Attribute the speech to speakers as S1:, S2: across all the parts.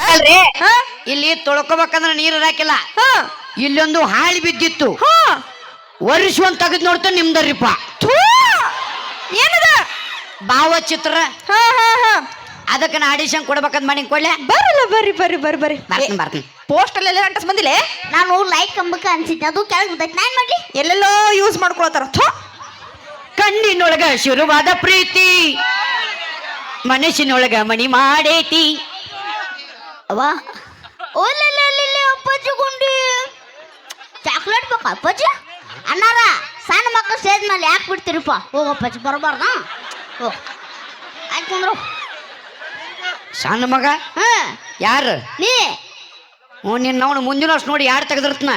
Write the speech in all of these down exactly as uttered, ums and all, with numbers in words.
S1: ಅಲ್ರಿ
S2: ಹಾ
S1: ಇಲ್ಲಿ ತೊಳ್ಕೊಬೇಕಂದ್ರ ನೀರ್ ಇರಾಕಿಲ್ಲ.
S2: ಹಾ
S1: ಇಲ್ಲೊಂದು ಹಾಳಿ ಬಿದ್ದಿತ್ತು.
S2: ಹಾ
S1: ವರ್ಷ ಒಂದ್ ತೆಗೆದ್ ನೋಡ್ತಾ ನಿಮ್ದರಿಪ್ಪ.
S2: ಥೂ ಏನದ
S1: ಭಾವಚಿತ್ರ.
S2: ಹಾ ಹಾ ಹಾ
S1: ಅದಕ್ಕೆ ನಾ ಆಡಿಷನ್ ಕೊಡ್ಬೇಕಂತ ಮಾಡಿ ಕೊಡ್ಲೆ.
S2: ಬರಲ್ಲ ಬರ್ರಿ ಬರ್ರಿ ಬರ್ರಿ ಬರ್ರಿ
S1: ಬರ್ತೀನಿ ಬರ್ತೀನಿ.
S2: ಪೋಸ್ಟ್ ಅಲ್ಲೆಲ್ಲ ಅಂಟಸ್ ಬಂದಿಲ್ಲ.
S3: ನಾನು ಲೈಕ್ ಕಂಬಕ್ಕ ಅನ್ಸಿದ್ದೆ ಅದು ಕೆಳಗೆ ಬಿದ್ದೈತೆ ನಾನು ಮಾಡ್ಲಿ
S2: ಎಲ್ಲೆಲ್ಲೋ ಯೂಸ್ ಮಾಡ್ಕೊಳತಾರ. ಥೂ
S1: ಕಣ್ಣಿನೊಳಗ ಶುರುವಾದ ಪ್ರೀತಿ ಮನಸ್ಸಿನೊಳಗ ಮಣಿ ಮಾಡೇತಿ.
S3: ಅವ್ವ ಓಲಲ್ಲಿ ಅಪ್ಪಾಜಿ ಗುಂಡಿ ಚಾಕ್ಲೇಟ್ ಬೇಕಾ ಅಪ್ಪಾಜಿ ಅಣ್ಣಾರ ಸಣ್ಣ ಮಕ್ಕಳು ಸ್ಟೇಜ್ ಮೇಲೆ ಯಾಕೆ ಬಿಡ್ತೀರಿಪ್ಪ ಹೋಗಪ್ಪಾಜಿ ಬರಬಾರ್ದ ಹೋಗ್ ಆಯ್ತು ಕುಂದ್ರು
S1: ಸಣ್ಣ ಮಗ
S3: ಹಾ
S1: ಯಾರು
S3: ನೀ
S1: ಹ್ಞೂ ನಿನ್ನ ನಾವು ಮುಂದಿನ ವರ್ಷ ನೋಡಿ ಯಾರು ತೆಗೆದಿರ್ತನ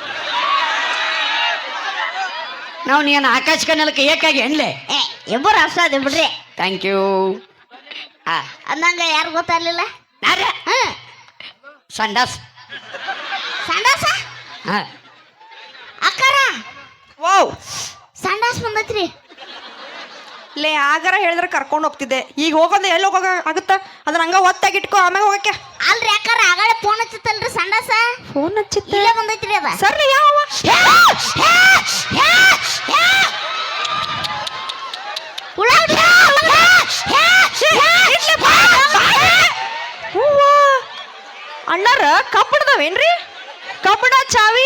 S1: ನಾವು ನೀನು ಆಕಾಶ ಕನ್ನಲಕ್ಕೆ ಏಕಾಗಿ ಅನ್ಲೆ.
S3: ಏ ಇಬ್ಬರು ಅಷ್ಟ ಅದೇ ಬಿಡ್ರಿ
S1: ಥ್ಯಾಂಕ್ ಯು. ಆ
S3: ಅಂದಂಗ ಯಾರು ಗೊತ್ತಾಗ್ಲಿಲ್ಲ
S1: ನಾರ
S3: ಹಾ
S1: ಸಂಡಾಸ್.
S3: ಸಂಡಾಸ
S1: ಹಾಂ
S3: ಅಕ್ಕಾರ
S2: ವಾವ್
S3: ಸಂಡಾಸ್ ಬಂದೈತ್ರಿ
S2: ಲೇ ಆಗಾರ ಹೇಳಿದ್ರೆ ಕರ್ಕೊಂಡು ಹೋಗ್ತಿದ್ದೆ. ಈಗ ಹೋಗೋದು ಎಲ್ಲಿ ಹೋಗೋಕ ಆಗುತ್ತ ಅದನ್ನ ಹಂಗ ಒತ್ತಾಗಿ ಇಟ್ಕೋ ಆಮೇಲೆ ಹೋಗಕ್ಕೆ.
S3: ಅಲ್ರಿ ಅಕ್ಕಾರ ಆಗಾಳೆ ಫೋನ್ ಹಚ್ಚತ್ತಲ್ರಿ ಸಂಡಾಸ
S2: ಫೋನ್ ಹಚ್ಚಿತ್ತ
S3: ಇಲ್ಲೇ ಬಂದೈತ್ರಿ ಅದ
S2: ಸರಿ ಯಾವ ಅಣ್ಣಾರ ಕಬ್ಬಣದವೇನ್ರಿ ಕಬ್ಬಣ ಚಾವಿ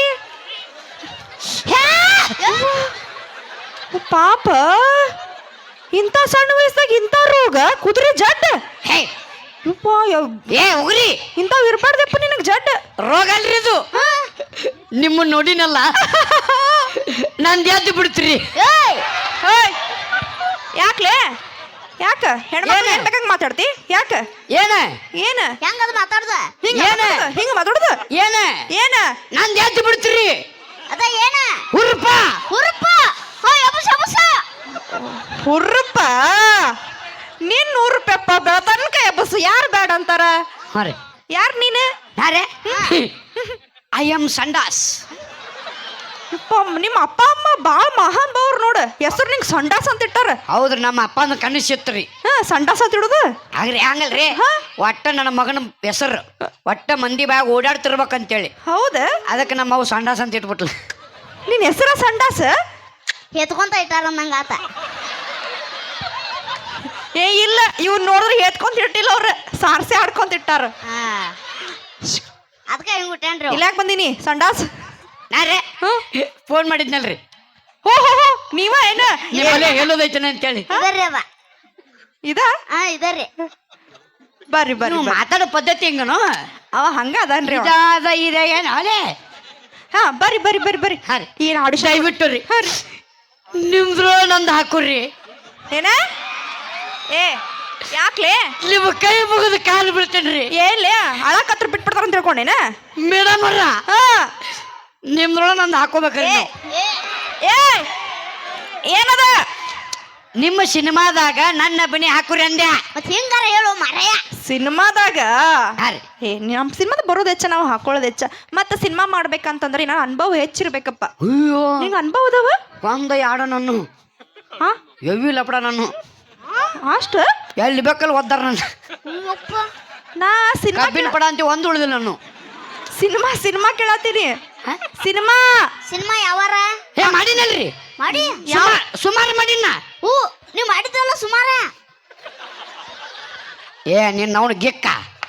S2: ಪಾಪ ಇಂಥ ಸಣ್ಣ ವಯಸ್ಸಾಗ ಇಂಥ ರೋಗ ಕುದುರೆ ಜಡ್
S1: ಹೇ
S2: ಯಪ್ಪ
S1: ಏ ಉಗ್ರಿ
S2: ಇಂಥವು ಇರ್ಬಾರ್ದಪ್ಪ ನಿನಗೆ ಜಡ್
S1: ರೋಗ ಅಲ್ರಿ ಇದು. ನಿಮ್ಮನ್ನ ನೋಡಿನಲ್ಲ ನಂದು ಎದ್ದು ಬಿಡ್ತೀರಿ.
S3: ಏಯ್
S2: ಏಯ್ ಯಾಕ್ಲೆ ಯಾಕ ಹೆಣ್ಮಕ್ಳು ಏನ್ ಬೇಕಂಗ್ ಮಾತಾಡ್ತಿ ಯಾಕ
S1: ಏನ
S2: ಏನ
S3: ಹೆಂಗದ ಮಾತಾಡ್ದ
S2: ಹಿಂಗ
S1: ಏನ?
S2: ಹಿಂಗ ಮಾತಾಡುದು
S1: ಏನ
S2: ಏನ
S1: ನಂದು ಎದ್ದು ಬಿಡ್ತೀರಿ.
S3: ಅದ ಏನ
S1: ಹುರ್ಪ
S3: ಹುರುಪ ಹೋಯ್ ಅಬುಸ ಅಬುಸ
S2: ಹುರ್ರಪ್ಪ ನೀನ್ ನೂರು ರೂಪಾಯಪ್ಪ ಬೆಳತನಕ ಎಬ್ಬಸು ಯಾರು ಬೇಡ ಅಂತಾರ
S1: ಹಾಂ ರೀ
S2: ಯಾರು ನೀನು
S1: ನಾರೇ ಐ ಆಮ್ ಸಂಡಾಸ್.
S2: ಯಪ್ಪ ನಿಮ್ಮ ಅಪ್ಪ ಅಮ್ಮ ಬಾಳ ಮಹಾನ್ ಬಾವ್ರು ನೋಡು ಹೆಸರು ನಿಂಗೆ ಸಂಡಾಸ್ ಅಂತ ಇಟ್ಟಾರ.
S1: ಹೌದ್ರಿ ನಮ್ಮ ಅಪ್ಪನ ಕಣ್ಣು ಸಿತ್ರಿ.
S2: ಹಾ ಸಂಡಾಸ್ ಅಂತ ಇಡುದು
S1: ಆಗ್ರಿ ಹಂಗಲ್ರಿ ಒಟ್ಟ ನನ್ನ ಮಗನ ಹೆಸರು ಒಟ್ಟ ಮಂದಿ ಬ್ಯಾಗ್ ಓಡಾಡ್ತಿರ್ಬೇಕಂತೇಳಿ
S2: ಹೌದ
S1: ಅದಕ್ಕೆ ನಮ್ಮ ಅವು ಸಂಡಾಸ್ ಅಂತ ಇಟ್ಬಿಟ್ಲು.
S2: ನಿನ್ ಹೆಸರ ಸಂಡಾಸ್
S3: ಎತ್ಕೊಂತ ಇಟ್ಟಾರ ನಂಗ ಆತ
S2: ಏ ಇಲ್ಲ ಇವ್ ನೋಡಿದ್ರೆ ಎತ್ಕೊಂತ ಇಟ್ಟಿಲ್ಲ ಅವ್ರ ಸಾರ್ಸಿ ಆಡ್ಕೊಂತ ಇಟ್ಟಾರ.
S3: ಹಾ ಅದಕ್ಕೆ ಹಿಂಗ್ ಬಿಟ್ಟೇನ್ರಿ
S2: ಇಲ್ಲ ಯಾಕೆ ಬಂದೀನಿ ಸಂಡಾಸ್
S1: ನಾರೇ ಫೋನ್ ಮಾಡಿದ್ನಲ್ರಿ
S2: ಹೋ ಹೋ ಹೋ ನೀವ ಏನ
S1: ನಿಮ್ಮಲ್ಲೇ ಹೇಳೋದೈತೇನೆ ಅಂತೇಳಿ.
S3: ಇದರ್ರಿ ಅದ
S2: ಇದ
S3: ಹಾ ಇದರ್ರಿ
S2: ಬರ್ರಿ ಬರ್ರಿ
S1: ನೀವು
S2: ಬರ್ರಿ.
S1: ಮಾತಾಡೋ ಪದ್ಧತಿ ಹೆಂಗನು
S2: ಅವ ಹಂಗ ಅದನ್ರಿ ಅವ.
S1: ಇದಾದ ಇದೆ ಏನು ಅಲೇ
S2: ಹಾ ಬರ್ರಿ ಬರ್ರಿ ಬರ್ರಿ ಬರ್ರಿ
S1: ಹಾಂ ರೀ
S2: ಏನ್ ಆಡಿಷನ್
S1: ದಯವಿಟ್ಟು ರೀ ನಿಮ್ದ್ರು ನಂದು ಹಾಕುರ್ರಿ.
S2: ಏನ ಏ ಯಾಕ್ಲೆ
S1: ನಿಮ್ಮ ಕೈ ಮುಗಿದು ಕಾಲು ಬೀಳ್ತೇನ್ರಿ.
S2: ಏನ್ಲೇ ಅಳಕತ್ರ ಬಿಟ್ಬಿಡ್ತಾರ ಅಂತ ತಿಳ್ಕೊಂಡೇನ
S1: ಮೇಡಮ್ ಅವ್ರ
S2: ಹಾ
S1: ನಿಮ್ದ್ರೊಳ ನಂದು ಹಾಕೋಬೇಕ್ರಿ
S2: ಏ
S1: ನೀವು.
S2: ಏ ಏನದ
S1: ನಿಮ್ಮ ಸಿನಿಮಾದಾಗ ನನ್ನ ಬನಿ ಹಾಕುರಿ ಅಂದೆ.
S3: ಮತ್ ಹಿಂಗಾರ ಹೇಳು ಮರಯ
S2: ಸಿನಿಮಾದಾಗ
S1: ಹಾಂ ರೀ
S2: ಏ ನಮ್ಮ ಸಿನಿಮಾದ ಬರೋದು ಹೆಚ್ಚ ನಾವು ಹಾಕೊಳ್ಳೋದು ಹೆಚ್ಚ ಮತ್ತೆ ಸಿನಿಮಾ ಮಾಡ್ಬೇಕಂತಂದ್ರೆ ನಾನು ಅನುಭವ ಹೆಚ್ಚಿರ್ಬೇಕಪ್ಪ.
S1: ಅಯ್ಯೋ
S2: ನಿಂಗೆ ಅನುಭವ ಅದಾವ
S1: ಒಂದ ಯಾಡ ನಾನು
S2: ಹಾ
S1: ಎವಿ ಲಪಡ ನಾನು
S2: ಅಷ್ಟು
S1: ಎಲ್ಲಿ ಬೇಕಲ್ಲಿ ಒದ್ದಾರ ನಾನು
S3: ಅಪ್ಪ
S2: ನಾ ಸಿನಿಮಾ
S1: ಕಬ್ಬಿನ ಪಡ ಅಂತ ಒಂದು ಉಳಿದಿಲ್ಲ ನಾನು.
S2: ಸಿನಿಮಾ ಸಿನಿಮಾ ಕೇಳತ್ತೀನಿ ಸಿನಿಮಾ
S3: ಸಿನಿಮಾ ಯಾವಾರ
S1: ಏ ಮಾಡಿನಲ್ರಿ
S3: ಮಾಡಿ
S1: ಸುಮಾರು ಮಾಡಿನ.
S3: ಹೂ ನೀವ್ ಮಾಡಿದ್ರಲ್ಲ ಸುಮಾರ
S1: ಏ ನಿನ್ನ ಅವನು ಗಿಕ್ಕ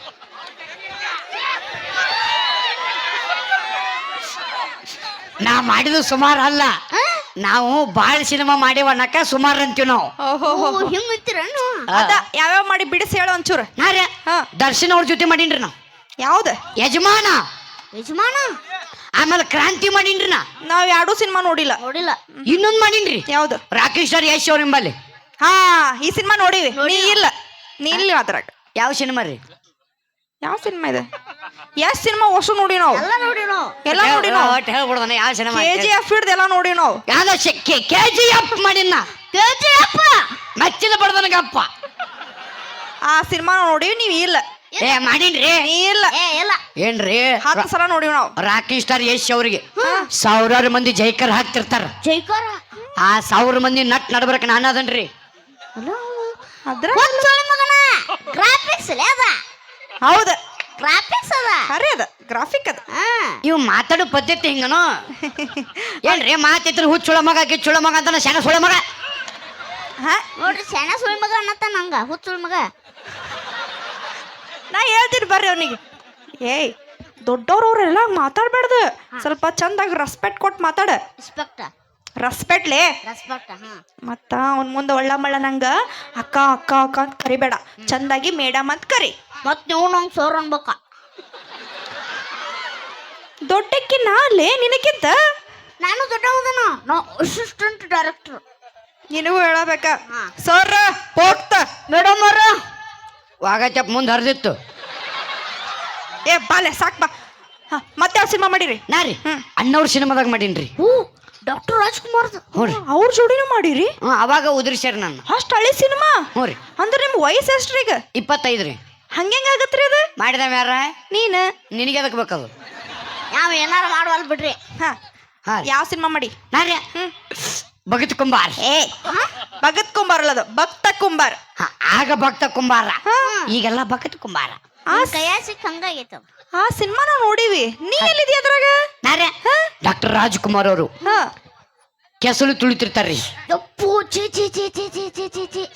S1: ನಾ ಮಾಡಿದ ಸುಮಾರು ಅಲ್ಲ ನಾವು ಬಾಳ ಸಿನಿಮಾ ಮಾಡೇವ ಅನ್ನಕ ಸುಮಾರು ಅಂತೀವಿ ನಾವು.
S2: ಓಹೋ
S3: ಹಿಂಗ್ ಅಂತೀರನು
S2: ಅದ ಯಾವ್ಯಾವ ಮಾಡಿ ಬಿಡಿಸಿ ಹೇಳು ಒಂಚೂರು.
S1: ನಾರೇ
S2: ಹಾ
S1: ದರ್ಶನ್ ಅವ್ರ ಜೊತೆ ಮಾಡೀನ್ರಿ ನಾವು.
S2: ಯಾವ್ದು
S1: ಯಜಮಾನ
S3: ಯಜಮಾನ
S1: ಆಮೇಲೆ ಕ್ರಾಂತಿ ಮಾಡೀನ್ರಿ ನಾ.
S2: ನಾವ್ ಯಾವ್ದು ಸಿನಿಮಾ ನೋಡಿಲ್ಲ.
S3: ನೋಡಿಲ್ಲ
S1: ಇನ್ನೊಂದ್ ಮಾಡೀನ್ರಿ
S2: ಯಾವ್ದು
S1: ರಾಕೇಶ್ ಸರ್ ಯಶ್ ಅವ್ರ ಎಂಬಲ್ಲಿ.
S2: ಹಾ ಈ ಸಿನಿಮಾ ನೋಡಿವಿ ನೀ ಇಲ್ಲ ನೀ ಇಲ್ಲ ಅದ್ರಾಗ.
S1: ಯಾವ ಸಿನಿಮಾ ರೀ
S2: ಯಾವ ಸಿನಿಮಾ ಇದೆ ಎಷ್ಟ್ ಸಿನಿಮಾ ಹೊಸ ನೋಡಿ ನಾವು
S3: ಎಲ್ಲ ನೋಡಿ ನಾವು
S2: ಎಲ್ಲ ನೋಡಿ ನಾವು
S1: ಒಟ್ಟು ಹೇಳ್ಬಿಡ್ದಾನ ಯಾವ ಸಿನಿಮಾ
S2: ಕೆ ಜಿ ಎಫ್ ಹಿಡ್ದು ಎಲ್ಲ ನೋಡಿ ನಾವು.
S1: ಯಾವ್ದ ಕೆ ಜಿ ಎಫ್ ಮಾಡಿನ
S3: ಕೇಳ್ತೀಯಪ್ಪ
S1: ಮೆಚ್ಚಿದ ಬಡ್ದನಗಪ್ಪ.
S2: ಆ ಸಿನಿಮಾ ನೋಡಿವಿ ನೀವ್ ಇಲ್ಲ.
S1: ಏ ಮಾಡೀನ್ರಿ
S2: ನೀ ಇಲ್ಲ
S3: ಏ ಇಲ್ಲ
S1: ಏನ್ರಿ
S2: ಹತ್ತು ಸಲ ನೋಡಿವಿ ನಾವು.
S1: ರಾಕೇಶ್ ಸ್ಟಾರ್ ಯಶ್ ಅವ್ರಿಗೆ ಸಾವಿರಾರು ಮಂದಿ ಜೈಕರ್ ಹಾಕ್ತಿರ್ತಾರ.
S3: ಜೈಕಾರ
S1: ಆ ಸಾವಿರ ಮಂದಿ ನಟ್ ನಡ್ಬರ್ಕ ನಾನು ಅದನ್ರಿ.
S2: ಅದ್ರ
S3: ಮಗನ ಗ್ರಾಫಿಕ್ಸ್ ಅದ
S2: ಹೌದ
S3: ಗ್ರಾಫಿಕ್ಸ್ ಅದ
S2: ಖರೆ ಅದ ಗ್ರಾಫಿಕ್ ಅದ
S3: ಹಾ
S1: ಇವ್ ಮಾತಾಡೋ ಪದ್ಧತಿ ಹಿಂಗನು ಏನ್ರಿ ಮಾತಿದ್ರು ಹುಚ್ಚುಳ ಮಗ ಗಿಚ್ಚುಳ ಮಗ ಅಂತ ಶನ ಸುಳ ಮಗ
S2: ಹಾ
S3: ನೋಡ್ರಿ ಸಣ್ಣ ಸುಳಿ ಮಗ ಅನ್ನತ್ತ ನಂಗ ಹುಚ್ಚುಳ ಮಗ
S2: ನಾ ಹೇಳ್ತೀನಿ ಬರ್ರಿ ಅವನಿಗೆ ಏಯ್ ದೊಡ್ಡವ್ರವ್ರೆಲ್ಲ ಮಾತಾಡ್ಬಾರ್ದು ಸ್ವಲ್ಪ ಚಂದಾಗಿ ರೆಸ್ಪೆಕ್ಟ್ ಕೊಟ್ಟು ಮಾತಾಡ
S3: ರೆಸ್ಪೆಕ್ಟ್
S2: ರೆಸ್ಪೆಕ್ಟ್ಲೇ
S3: ರೆಸ್ಪೆಕ್ಟ್ ಹಾ
S2: ಮತ್ತ ಅವ್ನ ಮುಂದೆ ಒಳ್ಳ ಮಳ್ಳ ನಂಗ ಅಕ್ಕ ಅಕ್ಕ ಅಕ್ಕ ಅಂತ ಕರಿಬೇಡ ಚಂದಾಗಿ ಮೇಡಮ್ ಅಂತ ಕರಿ
S3: ಮತ್ ನೀವು ನಂಗೆ ಸೋರ್ ಅನ್ಬೇಕ
S2: ದೊಡ್ಡಕ್ಕಿ ನಾಲೇ ನಿನಕ್ಕಿಂತ
S3: ನಾನು ದೊಡ್ಡವದನ ನಾ ಅಸಿಸ್ಟೆಂಟ್ ಡೈರೆಕ್ಟರ್
S2: ನಿನಗೂ ಹೇಳಬೇಕ
S3: ಹಾ.
S2: ಸರ್ ಹೋಗ್ತ
S1: ಮೇಡಮ್ ಅವ್ರ ವಾಗಚಪ್ ಮುಂದೆ ಹರಿದಿತ್ತು
S2: ಏ ಬಾಲೆ ಸಾಕ್ ಬಾ ಹಾ, ಮತ್ತೆ ಯಾವ ಸಿನಿಮಾ ಮಾಡಿರಿ
S1: ನಾ ರೀ ಅಣ್ಣವ್ರ ಸಿನಿಮಾದಾಗ ಮಾಡೀನ್ರಿ
S3: ಹೂ ಡಾಕ್ಟರ್ ರಾಜ್ಕುಮಾರ್
S1: ಹ್ಞೂ ರೀ
S2: ಅವ್ರ ಜೋಡಿನೂ ಮಾಡಿರಿ
S1: ಹ್ಞೂ ಅವಾಗ ಉದುರಿಸ್ಯಾರ ನಾನು
S2: ಅಷ್ಟು ಹಳಿ ಸಿನಿಮಾ
S1: ಹ್ಞೂ ರೀ
S2: ಅಂದ್ರೆ ನಿಮ್ ವಯಸ್ಸು ಎಷ್ಟ್ರಿ ಈಗ
S1: ಇಪ್ಪತ್ತೈದು ರೀ
S2: ಹಂಗೆಂಗ ಆಗತ್ರಿ ಅದು
S1: ಮಾಡಿದವ ಯಾರ
S2: ನೀನ
S1: ನಿನಗೆ ಅದಕ್ಕೆ ಬೇಕದು
S3: ಯಾವ ಏನಾರ ಮಾಡುವಲ್ ಬಿಡ್ರಿ
S2: ಹಾ
S1: ಹಾಂ ರೀ
S2: ಯಾವ ಸಿನಿಮಾ ಮಾಡಿ
S1: ನಾ ರೀ ಭಗತ್ ಕುಂಬಾರ್
S2: ಏ ಭಗತ್ ಕುಂಬಾರ್ ಅಲ್ಲದು ಭಕ್ತ ಕುಂಬಾರ್
S1: ಹಾ, ಆಗ ಭಕ್ತ ಕುಂಬಾರ ಈಗೆಲ್ಲ ಭಗತ್ ಕುಂಬಾರ
S3: ಆ ಕೈಯ ಸಿಕ್ಕ ಹಂಗಾಗೈತವ
S2: ಆ ಸಿನಿಮಾ ನಾವು ನೋಡಿವಿ ನೀ ಎಲ್ಲಿದ್ಯಾ ಅದ್ರಾಗ
S1: ನಾ ರೀ ಡಾಕ್ಟರ್ ರಾಜ್ಕುಮಾರ್ ಅವರು
S2: ಹಾ
S1: ಕೆಸಲು ತುಳಿತಿರ್ತಾರ್ರಿ
S3: ಯಪ್ಪು ಚಿ ಚಿ ಚಿ ಚಿ ಚಿ ಚಿ ಚಿ ಚಿ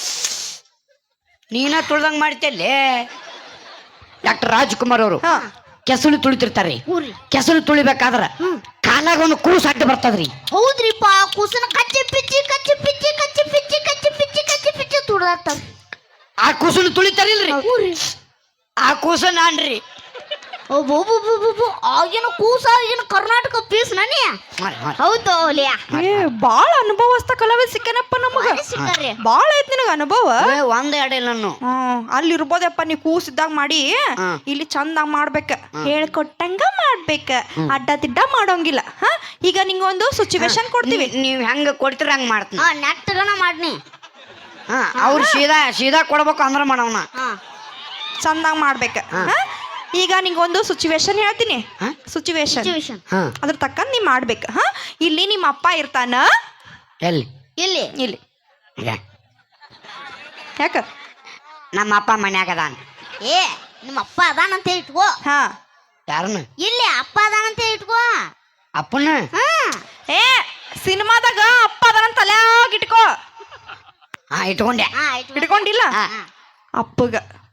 S1: ನೀನ ತುಳ್ದಂಗ್ ಮಾಡ್ತೇಲೆ ಡಾಕ್ಟರ್ ರಾಜ್ಕುಮಾರ್ ಅವರು
S2: ಹಾ
S1: ಕೆಸಲು ತುಳಿತಿರ್ತಾರ್ರಿ
S3: ಊರಿ
S1: ಕೆಸಲು ತುಳಿಬೇಕಾದ್ರ ಕಾಲಾಗ ಒಂದು ಕೂಸು ಅಡ್ಡ ಬರ್ತದ್ರಿ
S3: ಹೌದ್ರಿಪ್ಪ ಕೂಸನ ಕಚ್ಚಿ ಪಿಚ್ಚಿ ಕಚ್ಚಿ ಪಿಚ್ಚಿ ಕಚ್ಚಿ ಪಿಚ್ಚಿ ಕಚ್ಚಿ ಪಿಚ್ಚಿ ಕಚ್ಚಿ ಪಿಚ್ಚಿ ತುಡ್ದಾಡ್ತಾವ
S1: ಆ ಕೂಸನ್ನು ತುಳಿತಾರಿಲ್ರಿ
S3: ಊರಿ
S1: ಆ ಕೂಸ ನಾನ್ರಿ
S3: ಒಬ್ಬೊಬ್ಬೊಬ್ಬೊಬ್ಬ ಆಗಿನ ಕೂಸ ಆಗಿನ ಕರ್ನಾಟಕ ಪೀಸ್ ನನಿ ಹೌದು ಲಿಯಾ
S2: ಏ ಬಾಳ ಅನುಭವಸ್ತ ಕಲಾವಿದ ಸಿಕ್ಕನಪ್ಪ ನಮಗ
S3: ಸಿಕ್ಕಾರ್ರಿ
S2: ಬಾಳ ಐತ್ ನಿನಗ ಅನುಭವ
S1: ಏ, ಒಂದ್ ಎರಡ ಇಲ್ಲ ನಾನು
S2: ಹ್ಮ್ ಅಲ್ಲಿ ಇರ್ಬೋದಪ್ಪ ನೀ ಕೂಸಿದ್ದಾಗ ಮಾಡಿ
S1: ಹಾ.
S2: ಇಲ್ಲಿ ಚಂದಾಗ ಮಾಡ್ಬೇಕ ಹೇಳ್ಕೊಟ್ಟಂಗ ಮಾಡ್ಬೇಕ ಅಡ್ಡ ತಿಡ್ಡ ಮಾಡೋಂಗಿಲ್ಲ ಹಾ ಈಗ ನಿಂಗೊಂದು ಸಿಚುವೇಶನ್ ಕೊಡ್ತೀವಿ
S1: ನೀವ್- ನೀವ್ ಹೆಂಗ ಕೊಡ್ತೀರ ಹಂಗ ಮಾಡ್ತೀನಿ
S3: ಹಾ ನೆಟ್ಟಗನ ಮಾಡ್ನಿ
S1: ಹಾ ಅವ್ರು ಸೀದಾ ಸೀದಾ ಕೊಡ್ಬೇಕು ಅಂದ್ರ ಮಾಡವನ
S3: ಹಾ
S2: ಚಂದಾಗ ಮಾಡ್ಬೇಕ ಹಾ? ಈಗ ನಿಂಗೊಂದು ಸಿಚುವೇಶನ್ ಹೇಳ್ತೀನಿ
S1: ಹಾ?
S2: ಸಿಚುವೇಶನ್
S3: ಸಿಚುವೇಶನ್
S2: ಅದ್ರ ತಕ್ಕಂತ ನೀ ಮಾಡ್ಬೇಕ ಹಾ ಇಲ್ಲಿ ನಿಮ್ಮ ಅಪ್ಪ ಇರ್ತಾನ
S1: ಎಲ್ಲಿ
S3: ಇಲ್ಲಿ
S2: ಇಲ್ಲಿ
S1: ಈಗ
S2: ಯಾಕ
S1: ನಮ್ಮ ಅಪ್ಪ ಮನ್ಯಾಗ ಅದಾನ
S3: ಏ ನಿಮ್ಮ ಅಪ್ಪ ಅದಾನಂತ ಇಟ್ಕೋ
S2: ಹಾ
S1: ಯಾರನ್ನ
S3: ಇಲ್ಲಿ ಅಪ್ಪ ಅದಾನಂತ ಇಟ್ಕೋ
S1: ಅಪ್ಪನ
S3: ಹಾ
S2: ಏ ಸಿನಿಮಾದಾಗ ಅಪ್ಪ ಅದನ್ನ ತಲ್ಯಾಗ ಇಟ್ಕೋ
S1: ಹಾ ಇಟ್ಕೊಂಡೆ
S3: ಹಾ ಇಟ್ಕೋ
S2: ಇಟ್ಕೊಂಡಿಲ್ಲ
S1: ಹಾ.
S2: ಅಪ್ಪಗ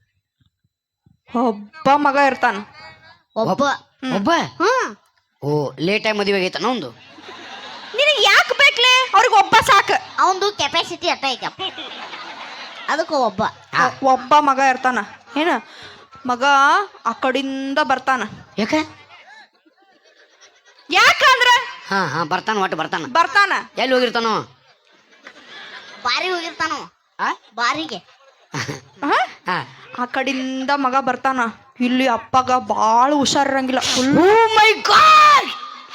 S2: ಒಬ್ಬ ಮಗ ಇರ್ತಾನ
S3: ಒಬ್ಬ
S1: ಒಬ್ಬ
S3: ಹ್ಮ್
S1: ಓ ಲೇಟ್ ಆಗಿ ಮದುವೆ ಆಗೈತನ ಒಂದು
S2: ನಿನಗೆ ಯಾಕೆ ಬೇಕ್ಲೆ ಅವ್ರಿಗೆ ಒಬ್ಬ ಸಾಕು
S3: ಅವಂದು ಕೆಪಾಸಿಟಿ ಅಟ್ಟ ಐತಪ್ಪ ಅದಕ್ಕೆ ಒಬ್ಬ
S2: ಒಬ್ಬ ಮಗ ಇರ್ತಾನ ಏನ ಮಗ ಆ ಕಡಿಂದ ಬರ್ತಾನ
S1: ಯಾಕ
S2: ಯಾಕಂದ್ರ
S1: ಹಾ ಹಾ ಬರ್ತಾನ ಒಟ್ಟು ಬರ್ತಾನ
S2: ಬರ್ತಾನ
S1: ಎಲ್ಲಿ ಹೋಗಿರ್ತಾನೋ
S3: ಬಾರಿ ಹೋಗಿರ್ತಾನು
S1: ಆ?
S3: ಬಾರಿಗೆ
S2: ಹ?
S1: ಹಾ
S2: ಆ ಕಡಿಂದ ಮಗ ಬರ್ತಾನ ಇಲ್ಲಿ ಅಪ್ಪಗ ಬಾಳ ಹುಷಾರಿರಂಗಿಲ್ಲ ಫುಲ್
S1: ಓ ಮೈ ಗಾಡ್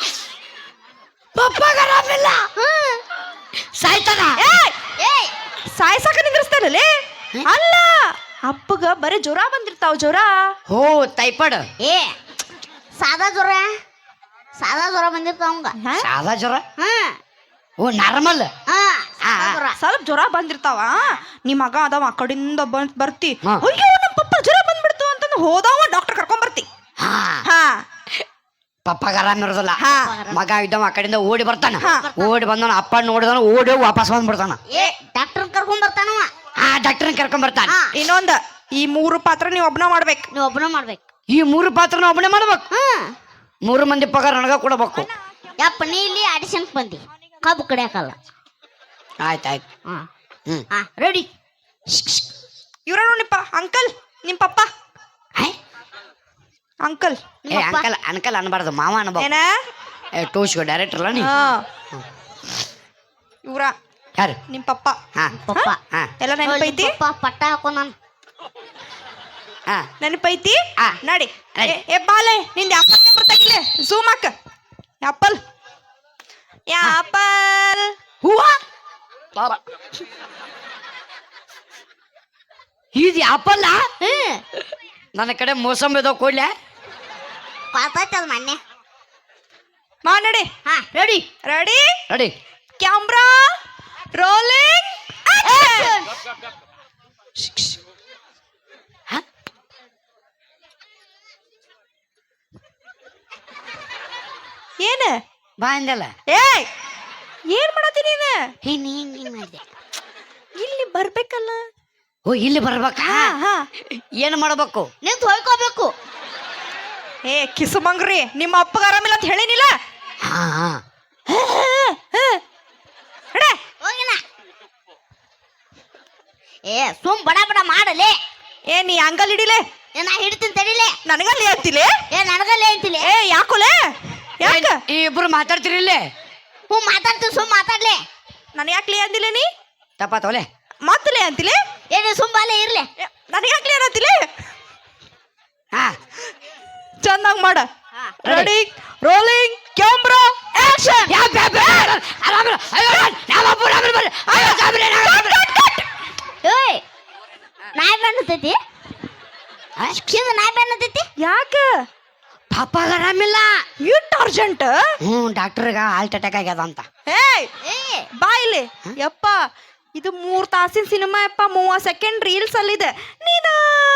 S1: ಪಪ್ಪಗ ಆರಾಮಿಲ್ಲ ಸಾಯ್ತಾನ
S3: ಏಯ್
S2: ಸಾಯ್ಸಾಕ ನಿಂದ್ರಿಸ್ತಾರಲ್ಲೇ ಅಲ್ಲ ಅಪ್ಪಗ ಬರೀ ಜ್ವರ ಬಂದಿರ್ತಾವ ಜ್ವರ
S1: ಓ ಟೈಫಾಯ್ಡ್
S3: ಏ ಸಾದಾ ಜ್ವರ ಸಾದಾ ಜ್ವರ ಬಂದಿರ್ತಾವ ಅವಂಗ
S2: ಹ?
S1: ಸಾದಾ ಜ್ವರ
S3: ಹ್ಮ್
S1: ಓ ನಾರ್ಮಲ್
S3: ಹಾ ಸಾದಾ ಜ್ವರ
S2: ಸ್ವಲ್ಪ ಜ್ವರ ಬಂದಿರ್ತಾವ ನಿಮ್ ಮಗ ಅದಾವ ಆ ಕಡಿಂದ ಬಂದ್ ಬರ್ತಿ
S1: ಹಾ.
S2: ಅಯ್ಯೋ ನಮ್ಮ ಪಪ್ಪ ಜ್ವರ ಬಂದ್ಬಿಡ್ತು ಅಂತಂದು ಹೋದವ ಡಾಕ್ಟರ್ ಕರ್ಕೊಂಡ್ ಬರ್ತಿ
S1: ಹಾ
S2: ಹಾ
S1: ಪಪ್ಪಗ ಆರಾಮ ಇರೋದಿಲ್ಲ
S2: ಹಾ.
S1: ಮಗ ಇದ್ದವ ಆ ಕಡೆಯಿಂದ ಓಡಿ ಬರ್ತಾನ
S2: ಹಾ.
S1: ಓಡಿ ಬಂದವನ ಅಪ್ಪ ನೋಡಿದವನ ಓಡಿ ಹೋಗಿ ವಾಪಸ್ ಬಂದ್ಬಿಡ್ತಾನ
S3: ಏ ಡಾಕ್ಟರ್ ಕರ್ಕೊಂಡ್ ಬರ್ತಾನವ
S1: ಆ ಡಾಕ್ಟರ್ನ ಕರ್ಕೊಂಡ್ ಬರ್ತಾನ
S3: ಹಾ
S2: ಇನ್ನೊಂದ ಈ ಮೂರು ಪಾತ್ರ ನೀವ್ ಒಬ್ನ ಮಾಡ್ಬೇಕು
S3: ನೀವು ಒಬ್ಬನ ಮಾಡ್ಬೇಕು
S1: ಈ ಮೂರು ಪಾತ್ರನ ಒಬ್ಬನೇ ಮಾಡ್ಬೇಕು
S3: ಹ್ಮ್
S1: ಮೂರು ಮಂದಿ ಪಗಾರ ನನಗ ಕೊಡಬೇಕು
S3: ಯಪ್ಪ ನೀ ಇಲ್ಲಿ ಆಡಿಷನ್ ಬಂದಿ ಕಬ್ಬು ಕಡಿಯಾಕಲ್ಲ
S1: ಆಯ್ತು ಆಯ್ತು
S3: ಹಾ
S1: ಹ್ಮ್
S3: ಹಾ ರೆಡಿ
S2: ಇವ್ರ ನೋಡಿಪ್ಪ ಅಂಕಲ್ ನಿಮ್ ಪಪ್ಪ
S1: ಆಯ್?
S2: ಅಂಕಲ್
S1: ಏ ಅಂಕಲ್ ಅಂಕಲ್ ಅನ್ಬಾರ್ದು ಮಾವ ಅನ್ಬೇಕು
S2: ಏನ
S1: ಏ ಟೋಶ್ಗೋ ಡೈರೆಕ್ಟರ್ ಅಲ್ಲ ನೀ
S2: ಹಾ ಇವ್ರ
S1: ಯಾರು
S2: ನಿಮ್ ಪಪ್ಪ
S1: ಹಾ
S3: ಪಪ್ಪ
S1: ಹಾ
S2: ಎಲ್ಲ ನೆನಪೈತಿ
S3: ಪಪ್ಪ ಪಟ್ಟ ಹಾಕೋ ನಾನು
S1: ಹಾ
S2: ನೆನಪೈತಿ
S1: ಆ.
S2: ನಡಿ
S1: ನಡಿ.
S2: ಏ- ಏ ಬಾಲೆ ನಿಂದ ಆಪಲ್ ನಂಬರ್ ತಗಿಲೆ ಝೂಮ್ ಹಾಕ ಆಪಲ್ ಆಪಲ್
S1: ಹೂವ ಇದು ಆಪಲ್ಲ
S3: ಹ್ಮ್
S1: ನನ್ನ ಕಡೆ ಮೋಸಂಬಿ ಇದಾವ ಕೊಡ್ಲೆ
S3: ಪಾತೈತೆ ಅದು ಮೊನ್ನೆ
S2: ಮಾ ನಡಿ
S3: ಹಾ ready
S2: ready
S1: ready
S2: camera rolling ಏನ
S1: ಬಾ ಅಂದಲ್ಲ
S2: ಏಯ್ ಏನ್ ಮಾಡತ್ತೀನಿ ನೀನು
S3: ಹಿಂಗ್ ಹಿಂಗ್ ಹಿಂಗ್ ಮಾಡಿದೆ.
S2: ಇಲ್ಲಿ ಬರ್ಬೇಕಲ್ಲ.
S1: ಓ ಇಲ್ಲಿ ಬರ್ಬೇಕಾ
S2: ಹಾ ಹಾ
S1: ಏನ್ ಮಾಡ್ಬೇಕು
S3: ನಿಂತು ಹೊಯ್ಕೋಬೇಕು.
S2: ಏ ಕಿಸುಮಂಗ್ರಿ ನಿಮ್ಮ ಅಪ್ಪಗ ಆರಾಮಿಲ್ಲ ಅಂತ ಹೇಳಿನಿಲ್ಲ.
S1: ಹಾ ಹಾ
S2: ನಡೆ.
S3: ಹೋಗಿನ ಏ ಸುಮ್ ಬಡ ಬಡ ಮಾಡಲೆ.
S2: ಏ ನೀ ಅಂಗಲ್ ಹಿಡಿಲೆ
S3: ಏ ನಾ ಹಿಡ್ತೀನಿ ತಡಿಲೆ.
S2: ನನಗಲ್ಲಿ ಅಂತಿಲೆ.
S3: ಏ ನನಗಲ್ಲೇ ಅಂತಿಲೆ.
S2: ಏ ಯಾಕೋಲೆ ಯಾಕ
S1: ಈ ಇಬ್ರು ಮಾತಾಡ್ತಿರಿ ಇಲ್ಲೇ
S3: ಹ್ಞೂ ಮಾತಾಡ್ತೀನಿ ಸುಮ್ ಮಾತಾಡ್ಲೆ.
S2: ನಾನು ಯಾಕ್ಲಿ ಅಂದಿಲ್ಲ ನೀ
S1: ತಪ್ಪ ತೋಲೆ
S2: ಮಾತಲೆ ಅಂತಿಲೆ.
S3: ಏ ನೀ ಸುಮ್ ಬಾಲೆ ಇರ್ಲೆ.
S2: ನನಗೆ ಯಾಕ್ಲಿ ಅನ್ನತಿಲೆ.
S1: ಹಾ
S2: ಚಂದಂಗ್ ಮಾಡ.
S3: ಹಾ.
S2: Ready rolling camera action.
S1: ಯಾ ಬೇ ಬೇ ಆರಾಮ ಅಯ್ಯೋ ನಮ್ಮ ಅಪ್ಪ ರಾಮ ಬರ್ರಿ ಅಯ್ಯೋ ಸಾಬ್ರೆ
S3: ಏಯ್ ನಾಯಿ ಬೆನ್ನತೈತಿ. ಇದು ನಾಯಿ ಬೆನ್ನತೈತಿ.
S2: ಯಾಕ
S1: ಪಾಪ ಆರಾಮಿಲ್ಲ
S2: ಇಟ್ ಅರ್ಜೆಂಟ್.
S1: ಹ್ಞೂ ಡಾಕ್ಟರ್ಗ ಹಾರ್ಟ್ ಅಟ್ಯಾಕ್ ಆಗ್ಯದ ಅಂತ
S2: ಏಯ್
S3: ಏ
S2: ಬಾ ಇಲ್ಲಿ ಯಪ್ಪ ಇದು ಮೂರ್ ತಾಸಿನ ಸಿನಿಮಾ ಯಪ್ಪ ಮೂವತ್ತು ಸೆಕೆಂಡ್ ರೀಲ್ಸ್ ಅಲ್ಲಿದೆ. ನೀನು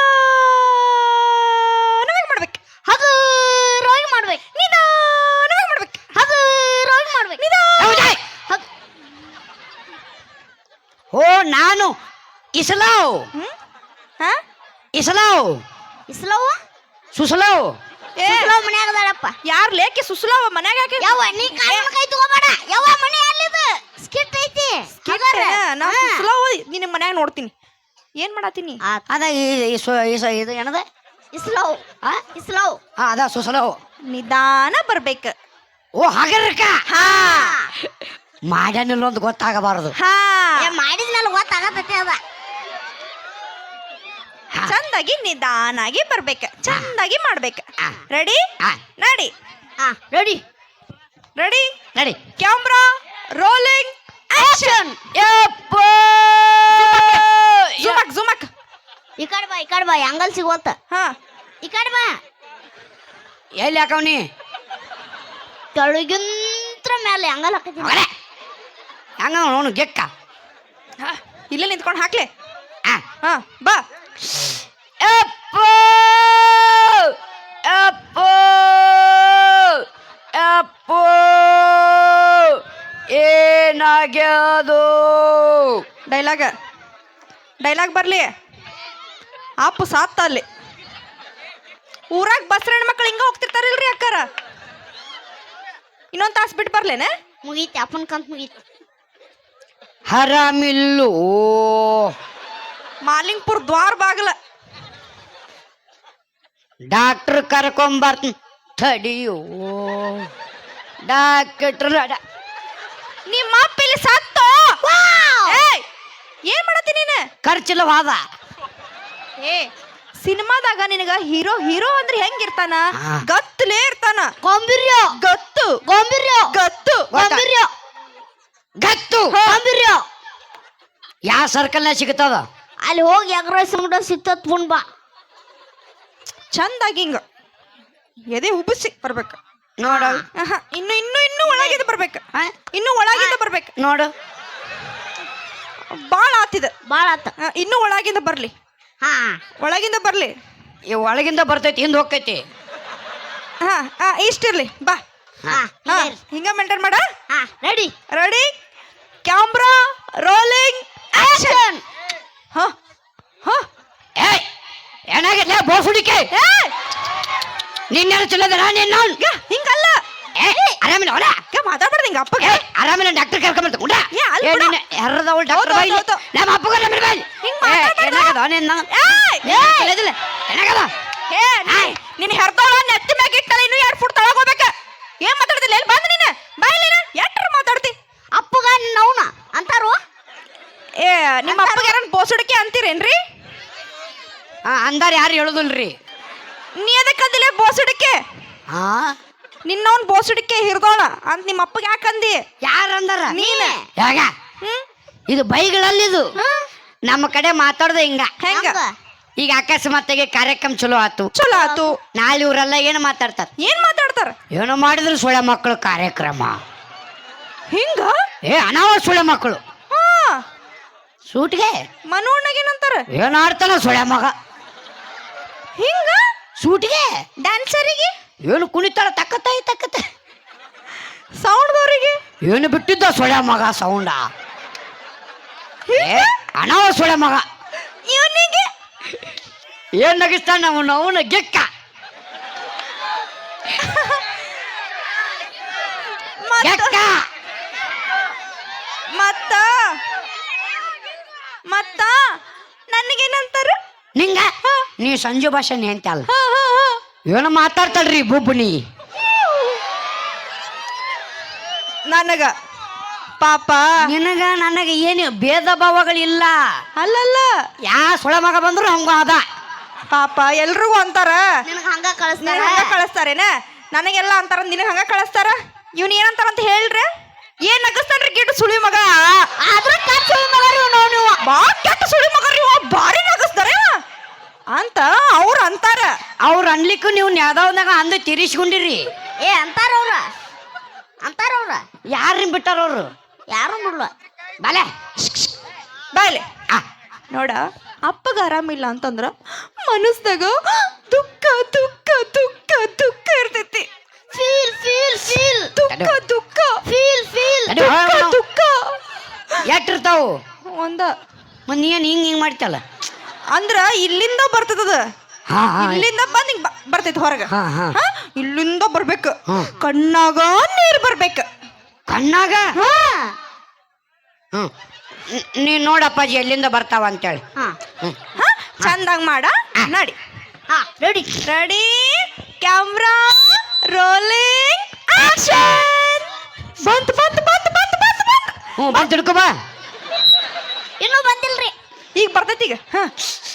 S2: ನಾವೇಗ್ ಮಾಡ್ಬೇಕು
S3: ಅದು ರೋಗಿ ಮಾಡ್ಬೇಕು.
S2: ನೀನು ನಾವೇಗ್ ಮಾಡ್ಬೇಕು
S3: ಅದು ರೋಗಿ ಮಾಡ್ಬೇಕು.
S1: ಹೌದಾ?
S3: ಹೌದ್.
S1: ಓ ನಾನು ಇಸಲಾವ್
S2: ಹ್ಮ್ ಹಾ
S1: ಇಸಲಾವ್
S3: ಇಸ್ಲವ್ವ
S1: ಸುಸಲಾವ್
S2: ಏ
S3: ಇಸ್ಲವ್ ಮನ್ಯಾಗ ಅದಾಳಪ್ಪ.
S2: ಯಾರ್ ಲೇಕೆ ಸುಸುಲಾವ ಮನ್ಯಾಗ ಯಾಕೆ
S3: ಯವ್ವ ನೀ ಕಾರಣ ಕೈ ತಗೋಬೇಡ. ಯವ್ವ ಮನೆ ಅಲ್ಲಿದು ಸ್ಕಿಟ್ ಐತಿ.
S2: ಕಿಟ್ಟೆ, ನಾ ಸುಸುಲಾವ ನಿನ್ನ ಮನ್ಯಾಗ ನೋಡ್ತೀನಿ. ಏನ್ ಮಾಡತ್ತೀನಿ
S1: ಅದ ಈ- ಈ ಸು- ಈ ಸು- ಇದು ಏನದ
S3: ಇಸ್ಲವ್
S1: ಆ?
S3: ಇಸ್ಲವ್.
S1: ಹಾ ಅದ ಸುಸಲಾವ್.
S2: ನಿಧಾನ ಬರ್ಬೇಕು.
S1: ಓ ಹಾಗರ್ಕ
S2: ಹಾ
S1: ಮಾಡ್ಯಾನಿಲ್ಲ ಒಂದು ಗೊತ್ತಾಗಬಾರದು
S2: ಹಾ
S3: ಏ ಮಾಡಿದ್ಮೇಲೆ ಗೊತ್ತಾಗತೈತಿ ಅದ.
S2: ಚಂದಾಗಿ ನಿಧಾನಾಗಿ ಬರ್ಬೇಕು. ಚಂದಾಗಿ ಮಾಡ್ಬೇಕು.
S1: ಆ.
S2: ರೆಡಿ
S1: ಆ,
S2: ನಡಿ
S3: ಹಾ ರೆಡಿ
S2: ರೆಡಿ
S1: ನಡಿ
S2: ಕ್ಯಾಮ್ರಾ ರೋಲಿಂಗ್ ಆಕ್ಷನ್.
S1: ಯಪ್ಪ
S2: ಜುಮಕ್ ಜುಮಕ್.
S3: ಈ ಕಡೆ ಬಾ ಈ ಕಡೆ ಬಾ ಅಂಗಲ್ ಸಿಗೋತ.
S2: ಹಾ
S3: ಈ ಕಡೆ ಬಾ.
S1: ಎಲ್ಲಿ ಹಾಕವ್ನಿ
S3: ಕೆಳಗಿಂತ್ರ ಮೇಲೆ ಅಂಗಲ್ ಹಾಕತ್ತೀನಿ.
S1: ಮಗನೇ ಹಂಗ ಅವನು ಗೆಕ್ಕ
S2: ಹಾ, ಇಲ್ಲೇ ನಿಂತ್ಕೊಂಡು ಹಾಕ್ಲೆ.
S1: ಆ,
S2: ಹಾ ಬಾ
S1: ಯಪ್ಪ ಯಪ್ಪ ಯಪ್ಪ ಏನಾಗ್ಯದು
S2: ಡೈಲಾಗ್ ಡೈಲಾಗ್ ಬರ್ಲಿ. ಅಪ್ಪು ಸಾತ್ತ ಅಲ್ಲಿ ಊರಾಗ ಬಸ್ರ ಹೆಣ್ಮಕ್ಳು ಹಿಂಗ ಹೋಗ್ತಿರ್ತಾರಿಲ್ರಿ ಅಕ್ಕಾರ. ಇನ್ನೊಂದ್ ತಾಸ್ ಬಿಟ್ಟು ಬರ್ಲೇನೆ.
S3: ಮುಗೀತಿ ಅಪ್ಪನ ಕಂತ ಮುಗೀತಿ.
S1: ಹರಾಮಿಲ್ಲು
S2: ಮಾಲಿಂಗ್ಪುರ್ ದ್ವಾರ ಬಾಗಲ.
S1: ಡಾಕ್ಟರ್ ಕರ್ಕೊಂಬರ್ತೀನಿ ತಡಿಯೋ ಡಾಕ್ಟರ್
S2: ನಿಮ್ಮ ಅಪ್ಪ ಇಲ್ಲಿ ಸತ್ತು. ಏಯ್, ಏನ್ ಮಾಡತ್ತಿ ನೀನು?
S1: ಖರ್ಚಿಲ್ಲವಾದ
S2: ಏ ಸಿನಿಮಾದಾಗ ನಿನಗ ಹೀರೋ ಹೀರೋ ಅಂದ್ರೆ ಹೆಂಗಿರ್ತಾನ?
S1: ಹಾ.
S2: ಗತ್ತಲೇ ಇರ್ತಾನ.
S3: ಗೊಂಬಿರ್ಯೋ
S2: ಗತ್ತು
S3: ಗೊಂಬಿರ್ಯೋ
S2: ಗತ್ತು
S3: ಗೊಂಬಿರ್ಯೋ
S1: ಗತ್ತು
S3: ಗೊಂಬಿರ್ಯೋ.
S1: ಯಾವ ಸರ್ಕಲ್ನಾಗ ಸಿಗುತ್ತದ
S3: ಅಲ್ಲಿ ಹೋಗಿ ಎಗ್ರೈಸ್ ಮುಡ ಸಿಕ್ತತ್ ಪುಣ್ ಬಾ.
S2: ಚಂದಾಗಿ ಹಿಂಗ ಎದೆ ಉಬ್ಬಿಸಿ ಬರ್ಬೇಕು.
S1: ನೋಡು
S2: ಆಹಾ, ಇನ್ನು ಇನ್ನು ಇನ್ನು ಒಳಗಿಂದ ಬರ್ಬೇಕು.
S1: ಆ?
S2: ಇನ್ನು ಒಳಗಿಂದ ಬರ್ಬೇಕು.
S1: ನೋಡು
S2: ಬಾಳ ಆತಿದ.
S3: ಬಾಳ ಆತ.
S2: ಆ, ಇನ್ನು ಒಳಗಿಂದ ಬರ್ಲಿ.
S3: ಹಾ
S2: ಒಳಗಿಂದ ಬರ್ಲಿ.
S1: ಈ ಒಳಗಿಂದ ಬರ್ತೈತಿ ಹಿಂದ್ ಹೋಗ್ತೈತಿ
S2: ಹಾ ಹಾ ಇಷ್ಟಿರ್ಲಿ ಬಾ.
S3: ಹಾ
S2: ಹಾ ಹಿಂಗ ಮೇಂಟೈನ್ ಮಾಡ.
S3: ಹಾ ready
S2: ready camera rolling action. ಹಾ ಹಾ
S1: ಏಯ್ ಏನಾಗಿಲ್ಲ ಬೋಸುಡಿಕೆ
S2: ಏಯ್
S1: ನಿನ್ನೆಲ್ಲ ಚಲೋದರ ನಿನ್ನ
S2: ಯಾ, ಹಿಂಗಲ್ಲ.
S1: ಏ ಆರಾಮಿಲ್ಲ ಹೊಲ
S2: ಯಾ, ಮಾತಾಡ್ಬಾರ್ದು ಹಿಂಗ ಅಪ್ಪಗೆ.
S1: ಏ ಆರಾಮಿಲ್ಲ ಡಾಕ್ಟರ್ ಕರ್ಕೊಂಬರ್ತ ಉಂಡ
S2: ಏ, ಅಲ್ಲಿ ಬಿಡು.
S1: ಎರ್ರದವಳು ಡಾಕ್ಟರ್
S2: ಹೌದು,
S1: ಬಾಯಿ
S2: ಹೌದು,
S1: ನಮ್ಮ ಅಪ್ಪಗ ಆರಾಮಿಲ್ಲ ಬಾಯಿ
S2: ಹಿಂಗ್
S1: ಏ
S2: ಮಾತಾಡ್ಬಾರ್ದು.
S1: ಏನಾಗದ ನಿನ್ನ
S2: ಏಯ್,
S1: ನಿನ್ನೆಲ್ಲ ಚಲೋದಿಲ್ಲ ಏನಾಗದ
S2: ಏ ನೀ- ನಿನ್ ಹೆರ್ದವಳ ನೆತ್ತಿ ಮ್ಯಾಗ ಇಟ್ಟಲ್ಲ ಇನ್ನು ಎರಡು ಫುಟ್ ತಳಗ ಹೋಗ್ಬೇಕ. ಏನ್ ಮಾತಾಡ್ತಿಲ್ಲ ಎಲ್ಲಿ ಬಂದ ನೀನು ಬಾಯಿಲಿ ಎಟ್ರ ಮಾತಾಡ್ತಿ.
S3: ಅಪ್ಪಗ ನೌನ ಅಂತಾರು.
S2: ಏ ನಿಮ್ಮ ಅಪ್ಪಗೆ ಯಾರನ್ನ ಬೋಸುಡಿಕೆ ಅಂತೀರೇನ್ರಿ?
S1: ಹಾ ಅಂದಾರ ಯಾರು ಹೇಳುದಿಲ್ರಿ
S2: ನೀ ಅದಕ್ಕಂದಿಲ್ಲ ಬೋಸುಡಿಕೆ.
S1: ಹಾ
S2: ನಿನ್ನವನ್ ಬೋಸುಡಿಕೆ ಹಿರ್ದೋಳ ಅಂತ ನಿಮ್ಮ ಅಪ್ಪಗೆ ಯಾಕಂದಿ?
S1: ಯಾರು ಅಂದಾರ
S2: ನೀನ್
S1: ಯಾಗ
S2: ಹ್ಮ್
S1: ಇದು ಬೈಗಳಲ್ಲಿ ಇದು ನಮ್ಮ ಕಡೆ ಮಾತಾಡ್ದ ಹಿಂಗ
S2: ಹೆಂಗ
S3: ಹಂಗ.
S1: ಈಗ ಅಕಸ್ಮಾತ್ತಾಗಿ ಕಾರ್ಯಕ್ರಮ ಚಲೋ ಆತು
S2: ಚಲೋ ಆತು.
S1: ನಾಳೆ ಇವರೆಲ್ಲ ಏನು ಮಾತಾಡ್ತಾರ
S2: ಏನ್ ಮಾತಾಡ್ತಾರ
S1: ಏನೋ ಮಾಡಿದ್ರು ಸುಳೆ ಮಕ್ಕಳು ಕಾರ್ಯಕ್ರಮ
S2: ಹಿಂಗ?
S1: ಏ ಅನಾವ ಸುಳೆ ಮಕ್ಕಳು
S2: ಹಾ
S1: ಸೂಟ್ಗೆ
S2: ಮನೋಣ್ಣಗ ಏನಂತಾರ?
S1: ಏನ್ ಆಡ್ತಾನ ಸುಳೆ ಮಗ
S2: ಹಿಂಗ
S1: ಸೂಟ್ಗೆ
S2: ಡ್ಯಾನ್ಸರಿಗೆ
S1: ಏನು ಕುಣಿತಾಳ ತಕ್ಕತ್ತಾಯಿ ತಕ್ಕತ್ತ ಏನು ಬಿಟ್ಟಿದ್ದ ಸೊಳ್ಳೆ ಮಗ ಸೌಂಡ ಏ ಅನಾವ ಸೊಳ್ಳೆ ಮಗ
S2: ಇವನಿಗೆ
S1: ಏನ್ ನಗಿಸ್ತಾನ ಅವನು ಅವನ ಗೆಕ್ಕ ಗೆಕ್ಕ
S2: ಮತ್ತ ಮತ್ತ ನನಗೇನಂತಾರ
S1: ನಿಂಗ ನೀ ಸಂಜು ಭಾಷೆ ಅಂತ ಅಲ್ಲ ಏನೋ ಮಾತಾಡ್ತಾಳ್ರಿ ಬುಬ್ಬುನಿ
S2: ನನಗ ಪಾಪ
S1: ನಿನಗ ನನಗ ಏನು ಭೇದ ಭಾವಗಳಿಲ್ಲ
S2: ಅಲ್ಲಲ್ಲ
S1: ಯಾ ಸೊಳೆ ಮಗ ಬಂದ್ರು ಹಂಗ ಅದ
S2: ಪಾಪ ಎಲ್ರಿಗೂ ಅಂತಾರ
S3: ನಿನಗೆ ಹಂಗ
S2: ನಿನಗ್
S3: ಕಳಿಸ್ತಾರ
S2: ಹಂಗ ಕಳಿಸ್ತಾರೇನ ನನಗೆಲ್ಲ ಅಂತಾರ ನಿನಗೆ ಹಂಗ ಕಳಿಸ್ತಾರ ಇವ್ನ ಏನಂತಾರ ಅಂತ ಹೇಳ್ರಿ ಏನ್ ನಗಸ್ತಾನ್ರಿ ಕೆಟ್ಟ ಸುಳಿ ಮಗ
S3: ಆದ್ರ ಕೆಟ್ಟ ಸುಳಿ ಮಗರಿ ನಾವು ನೀವು
S2: ಬಾ ಕೆಟ್ಟ ಸುಳಿ ಮಗರಿ ಇವ ಭಾರಿ ನಗಸ್ತಾರ ಇವ ಅಂತ ಅವ್ರ ಅಂತಾರ
S1: ಅವ್ರ ಅನ್ಲಿಕ್ಕೂ ನೀವು ಯಾವ್ದಾವ್ದಾಗ ಅಂದು ತಿರ್ಸ್ಕೊಂಡಿರಿ
S3: ಏ ಅಂತಾರ ಅವ್ರ ಅಂತಾರ ಅವ್ರ
S1: ಯಾರನ್ನ ಬಿಟ್ಟಾರ ಅವ್ರು
S3: ಯಾರು ಬಿಡ್ಲ
S1: ಬಾಲೆ
S2: ಬಾಯ್ಲೆ
S1: ಆ,
S2: ನೋಡ ಅಪ್ಪಗ ಆರಾಮಿಲ್ಲ ಅಂತಂದ್ರ ಮನಸ್ದಾಗ ದುಃಖ ದುಃಖ ದುಃಖ ದುಃಖ ಇರ್ತೈತಿ
S3: ಫೀಲ್ ಫೀಲ್ ಫೀಲ್
S2: ದುಃಖ ದುಃಖ
S3: ಫೀಲ್ ಫೀಲ್
S1: ತಡಿ,
S2: ದುಃಖ
S1: ಹೋಗ್ ನಾವು.
S2: ದುಃಖ
S1: ಎಷ್ಟಿರ್ತಾವು
S2: ಒಂದ
S1: ಮತ್ ನೀ ಏನ್ ಹಿಂಗ್ ಹಿಂಗ್ ಮಾಡ್ತಲ್ಲ
S2: ಅಂದ್ರ ಇಲ್ಲಿಂದ ಬರ್ತದ
S1: ಹಾ ಹಾ
S2: ಇಲ್ಲಿಂದ ಬಂದ್ ಹಿಂಗ್ ಬ- ಬರ್ತೈತಿ ಹೊರಗ
S1: ಹಾ, ಹಾ.
S2: ಹಾ? ಇಲ್ಲಿಂದ ಬರ್ಬೇಕು
S1: ಹ್ಮ್.
S2: ಕಣ್ಣಾಗ ನೀರ್ ಬರ್ಬೇಕ
S1: ಕಣ್ಣಾಗ
S3: ಹಾ
S1: ಹ್ಮ್ ನ್- ನೀ ನೋಡಪ್ಪಾಜಿ ಎಲ್ಲಿಂದ ಬರ್ತಾವ ಅಂತೇಳಿ
S3: ಹಾ
S1: ಹ್ಮ್
S2: ಹಾ ಚಂದಂಗ್ ಮಾಡ ನಡಿ
S3: ಹಾ ready
S2: ready camera rolling action ಬಂತ್ ಬಂತ್ ಬಂತ್ ಬಂತ್ ಬಂತ್ ಬಂತ್
S1: ಹ್ಞೂ ಬಂದು ತಿಳ್ಕೊ ಬಾ
S3: ಇನ್ನೂ ಬಂದಿಲ್ರಿ
S2: ಈಗ ಬರ್ತೈತಿ ಈಗ ಹಾ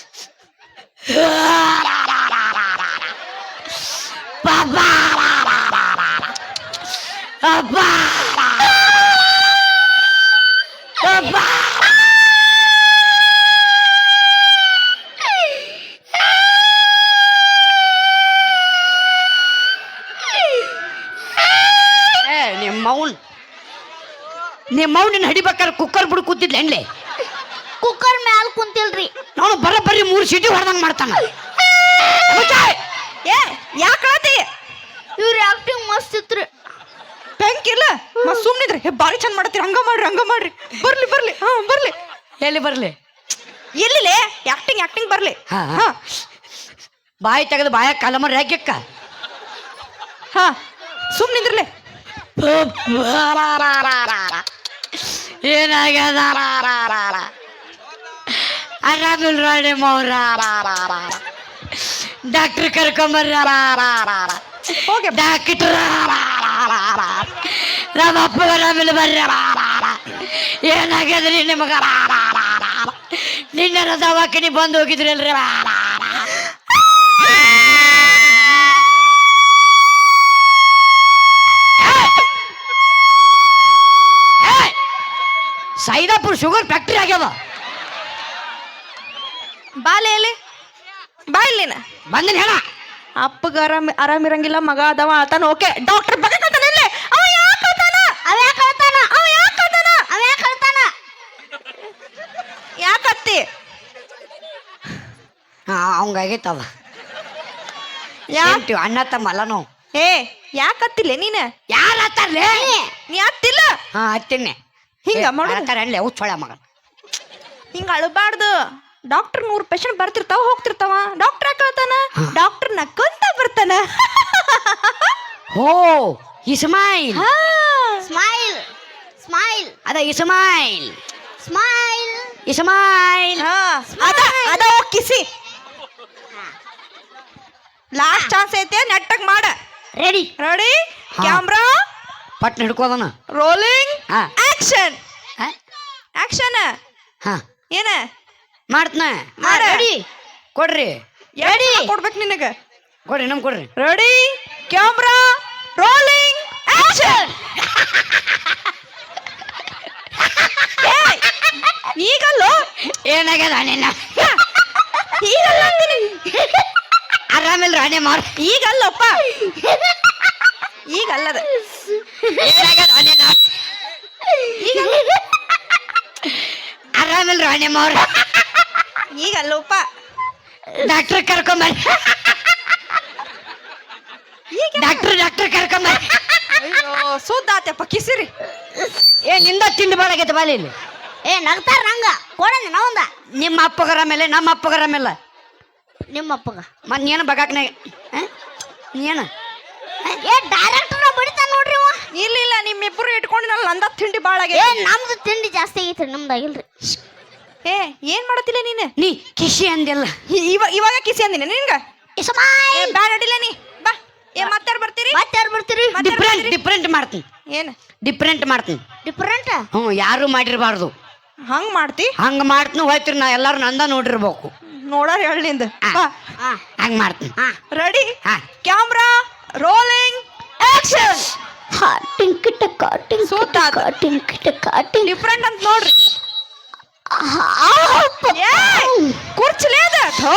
S1: ಬಾಬಾ ಅಬ್ಬಾ ಅಬ್ಬಾ ಏ ನಿಮ್ಮ ಮೌನ್ ನಿಮ್ಮ ಮೌನಿನ ಹಿಡಿಬೇಕಾದ್ರೆ ಕುಕ್ಕರ್ ಬಿಡು ಕೂತಿದ್ಲ ಹೆಣ್ಲೆ
S3: ಕುಕ್ಕರ್ ಮ್ಯಾಲ ಕುಂತಿಲ್ರಿ
S1: ನಾನು ಬರೋಬ್ಬರಿ ಮೂರು ಸೀಟಿ ಹೊಡೆದಂಗೆ ಮಾಡ್ತಾನ
S2: ಏ ಯಾಕಳತಿ
S3: ಇವ್ರ ಆಕ್ಟಿಂಗ್ ಮಸ್ತ್ ಇತ್ರಿ
S2: ಬೆಂಕಿಲ್ಲ ಮತ್ ಸುಮ್ನಿದ್ರಿ ಹೇ ಬಾರಿ ಚಂದ ಮಾಡತ್ತೀರಿ ಹಂಗ ಮಾಡ್ರಿ ಹಂಗ ಮಾಡ್ರಿ ಬರ್ಲಿ ಬರ್ಲಿ ಹಾ ಬರ್ಲಿ
S1: ಎಲ್ಲಿ ಬರ್ಲಿ
S2: ಎಲ್ಲಿಲೆ ಆಕ್ಟಿಂಗ್ ಆಕ್ಟಿಂಗ್ ಬರ್ಲಿ
S1: ಹಾ, ಹಾ.
S2: ಹಾ
S1: ಬಾಯಿ ತೆಗೆದು ಬಾಯ ಕಲಮರ್ ಯಾಕೆಕ್ಕ
S2: ಹಾ ಸುಮ್ನಿದ್ರಲೆ
S1: ಏನಾಗ್ಯದ ಆರಾಮಿಲ್ಲ ರಾಣಿ ಮೌರ ಡಾಕ್ಟ್ರ್ ಕರ್ಕೊಂಬರ್ರ
S2: ಹೋಗಿ
S1: ಡಾಕ್ಟ್ರ ನಮ್ಮ ಅಪ್ಪ ಆರಾಮಿಲ್ಲ ಬರ್ರ ಏನಾಗ್ಯದ್ರಿ ನಿಮಗ ನಿನ್ನೆ ದವಾಖಾನಿ ಬಂದು ಹೋಗಿದ್ರಲ್ರಿ ಸೈದಾಪುರ್ ಶುಗರ್ ಫ್ಯಾಕ್ಟ್ರಿ ಆಗ್ಯಾವ
S2: ಬಾಲೆ ಎಲ್ಲಿ ಬಾ ಇಲ್ಲಿನ
S1: ಬಂದಿನ ಹೇಳ
S2: ಅಪ್ಪಗ ಆರಾಮ್ ಆರಾಮಿರಂಗಿಲ್ಲ ಮಗ ಅದಾವ ಆತಾನ ಓಕೆ ಡಾಕ್ಟರ್ ಬಗಕತ್ತಾನ ಇಲ್ಲೇ ಅವ ಯಾಕ ಆತಾನ
S3: ಅವ ಯಾಕೆ ಹೇಳ್ತಾನ
S2: ಅವ ಯಾಕ ಆತಾನ
S3: ಅವ ಯಾಕೆ ಹೇಳ್ತಾನ
S2: ಯಾಕತ್ತಿ
S1: ಹಾ ಅವಂಗಾಗೈತವ
S2: ಯಾ
S1: ಅಣ್ಣ ತಮ್ಮಲ್ಲ ನಾವು
S2: ಏ ಯಾಕತ್ತಿಲ್ಲ ನೀನ
S1: ಯಾರ ಹತ್ತಾರ್ಲೇ
S2: ನೀ ಅತ್ತಿಲ್ಲ
S1: ಹಾ ಹತ್ತಿನ್ನೆ
S2: ಹಿಂಗ ಮಾಡು
S1: ಅಲ್ಲೇ ಉಚ್ಚೊಳ ಮಗ
S2: ಹಿಂಗ ಅಳಬಾರ್ದು ಡಾಕ್ಟರ್ ನೂರ್ ಪೇಷಂಟ್ ಬರ್ತಿರ್ತಾವ ಹೋಗ್ತಿರ್ತಾವ ಡಾಕ್ಟರ್ ಯಾಕತ್ತಾನ ಡಾಕ್ಟರ್ ನಕ್ಕಂತ ಬರ್ತಾನ
S1: ಹೋ ಇಸ್ಮಾಯಿಲ್
S2: ಹಾ
S3: ಸ್ಮೈಲ್ ಸ್ಮೈಲ್
S1: ಅದ ಇಸ್ಮಾಯಿಲ್
S3: ಸ್ಮೈಲ್
S1: ಇಸ್ಮಾಯಿಲ್
S2: ಹಾ ಅದ ಅದ ಹೋಗ್ ಕಿಸಿ ಲಾಸ್ಟ್ ಚಾನ್ಸ್ ಐತೆ ನೆಟ್ಟಗ್ ಮಾಡ
S3: ರೆಡಿ
S2: ರೆಡಿ
S1: ಹಾ.
S2: ಕ್ಯಾಮ್ರಾ
S1: ಪಟ್ ಹಿಡ್ಕೋದನ
S2: ರೋಲಿಂಗ್
S1: ಹಾ
S2: ಆಕ್ಷನ್
S1: ಹಾ?
S2: ಆಕ್ಷನ್
S1: ಹಾ
S2: ಏನ
S1: ಮಾಡ್ತನ
S2: ಮಾಡ
S3: ರೆಡಿ
S1: ಕೊಡ್ರಿ
S2: ರೆಡಿ ಕೊಡ್ಬೇಕು ನಿನಗ
S1: ಕೊಡ್ರಿ ನಮ್ ಕೊಡ್ರಿ
S2: ರೆಡಿ ಕ್ಯಾಮ್ರಾ ರೋಲಿಂಗ್ ಆಕ್ಷನ್ ಈಗಲ್ಲೋ
S1: ಏನಾಗ್ಯದ ನಿನ್ನ
S2: ಈಗಲ್ಲ ಅಂತೀನಿ
S1: ಆರಾಮಿಲ್ಲ ರಾಣಿ ಮಾರ್
S2: ಈಗಲ್ಲಪ್ಪ ಈಗಲ್ಲದ
S1: ಏನಾಗ್ಯದ ನಿನ್ನ ಆರಾಮಿಲ್ಲ ರಾಣಿ ಮಾರ್
S2: ಈಗಲ್ಲಪ್ಪ
S1: ಡಾಕ್ಟರ್ ಕರ್ಕೊಂಬರ್ರಿ
S2: ಈಗ
S1: ಡಾಕ್ಟರ್ ಡಾಕ್ಟರ್ ಕರ್ಕೊಂಬರ್ರಿ
S2: ಅಯ್ಯೋ ಸುದ್ದ ಆತಪ್ಪ ಕಿಸಿರಿ.
S1: ಏ ನಿಂದ ತಿಂಡಿ ಬಾಳ ಆಗೈತೆ ಬಾಲಿ ಇಲ್ಲಿ.
S3: ಏ ನಗ್ತಾರ ನಂಗ ಕೊಡಂದ ನಾವಂದ
S1: ನಿಮ್ಮ ಅಪ್ಪಗರ ಮೇಲೆ ನಮ್ಮ ಅಪ್ಪಗರ ಮೇಲೆ
S3: ನಿಮ್ಮ ಅಪ್ಪಗ
S1: ಮತ್ ನೀನು ಬಗಾಕ್ನೆ ನೀನು
S3: ಏ ಡೈರೆಕ್ಟರ್ ಬಡಿತಾನ ನೋಡ್ರಿ ಅವ.
S2: ಇಲ್ಲ ಇಲ್ಲ ನಿಮ್ಮಿಬ್ಬರು ಇಟ್ಕೊಂಡಿನಲ್ಲ ನಂದ ತಿಂಡಿ ಬಾಳ
S3: ಏ
S2: ಆಗೈತಿ.
S3: ನಮ್ದು ತಿಂಡಿ ಜಾಸ್ತಿ ಆಗೈತ್ರಿ ನಮ್ದು ಆಗಿಲ್ರಿ.
S2: ಏ ಏನ್ ಮಾಡತ್ತಿಲ್ಲ ನೀನು?
S1: ನೀ ಕಿಶಿ ಅಂದಿಲ್ಲ.
S2: ಇವ- ಇವಾಗ ಕಿಸಿ ಅಂದಿನ ನಿನ್ಗ?
S3: ಏ ಸುಮಾಯ್
S2: ಏ ಬ್ಯಾಡ ಅಡಿಲ್ಲ ನೀ ಬಾ. ಏ ಮತ್ತಾರು ಬರ್ತೀರಿ?
S3: ಮತ್ತೆ ಯಾರು ಬರ್ತೀರಿ?
S1: ಡಿಫ್ರೆಂಟ್ ಡಿಫ್ರೆಂಟ್ ಮಾಡ್ತೀನಿ
S2: ಏನ್
S1: ಡಿಫ್ರೆಂಟ್ ಮಾಡ್ತೀನಿ.
S3: ಡಿಫ್ರೆಂಟ್
S1: ಹ್ಞೂ ಯಾರು ಮಾಡಿರಬಾರ್ದು
S2: ಹಂಗ್ ಮಾಡ್ತಿ?
S1: ಹಂಗ ಮಾಡ್ತೀನಿ ಹೋಯ್ತಿರಿ ನಾ ಎಲ್ಲಾರು ನಂದ ನೋಡಿರ್ಬೇಕು.
S2: ನೋಡಾರ ಹೇಳಿಂದ ಬಾ.
S3: ಹಾ
S1: ಹಂಗ ಮಾಡ್ತೀನಿ.
S3: ಹಾ
S2: ರೆಡಿ
S1: ಹಾ
S2: ಕ್ಯಾಮ್ರಾ ರೋಲಿಂಗ್ ಆಕ್ಷನ್.
S3: ಹಾ ಟಿಂಕ್ ಟಕ ಟಿಂಕ್
S2: ಸೂತ
S3: ಟಕ ಟಿಂಕ್ ಟಕ ಟಿಂಕ್
S2: ಡಿಫ್ರೆಂಟ್ ಅಂತ ನೋಡ್ರಿ. ಏ ಕುರ್ಚಲೇ ಅದ ಥೋ